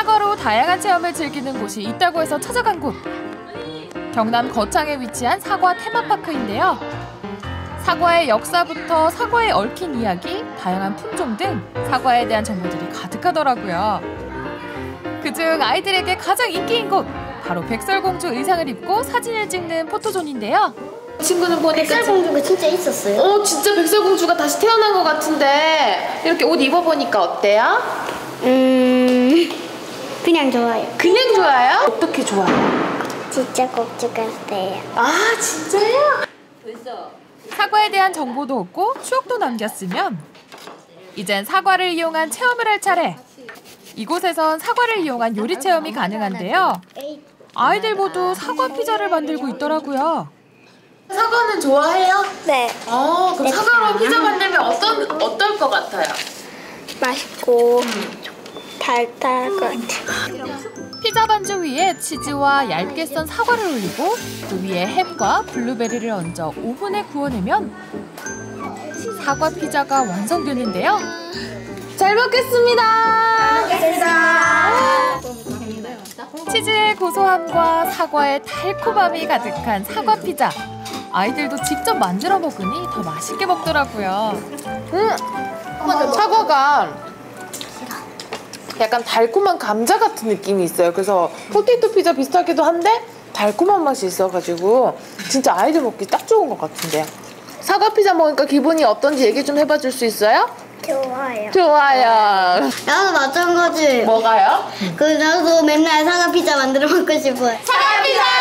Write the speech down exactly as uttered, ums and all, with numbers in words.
사과로 다양한 체험을 즐기는 곳이 있다고 해서 찾아간 곳. 경남 거창에 위치한 사과 테마파크인데요. 사과의 역사부터 사과에 얽힌 이야기, 다양한 품종 등 사과에 대한 정보들이 가득하더라고요. 그중 아이들에게 가장 인기인 곳, 바로 백설공주 의상을 입고 사진을 찍는 포토존인데요. 친구는 보니까 백설공주가 진짜 있었어요? 어, 진짜 백설공주가 다시 태어난 것 같은데 이렇게 옷 입어보니까 어때요? 음... 그냥 좋아요. 그냥 좋아요? 어떻게 좋아요? 진짜 공주 같아요. 아, 진짜요? 사과에 대한 정보도 얻고 추억도 남겼으면 이젠 사과를 이용한 체험을 할 차례. 이곳에선 사과를 이용한 요리 체험이 가능한데요. 아이들 모두 사과 피자를 만들고 있더라고요. 사과는 좋아해요? 네. 어, 그럼 네. 사과로 피자 만들면 어떤, 어떨 것 같아요? 맛있고 달달할 것 같아요. 피자 반죽 위에 치즈와 얇게 썬 사과를 올리고 그 위에 햄과 블루베리를 얹어 오븐에 구워내면 사과 피자가 완성되는데요. 잘 먹겠습니다. 감사합니다. 치즈의 고소함과 사과의 달콤함이 가득한 사과 피자. 아이들도 직접 만들어 먹으니 더 맛있게 먹더라고요. 음, 사과가 약간 달콤한 감자 같은 느낌이 있어요. 그래서 포테이토 피자 비슷하기도 한데 달콤한 맛이 있어가지고 진짜 아이들 먹기 딱 좋은 것 같은데요. 사과 피자 먹으니까 기분이 어떤지 얘기 좀 해봐 줄 수 있어요? 좋아요. 좋아요. 나도 마찬가지. 뭐가요? 그 나도 맨날 사과 피자 만들어 먹고 싶어요. 사과 피자!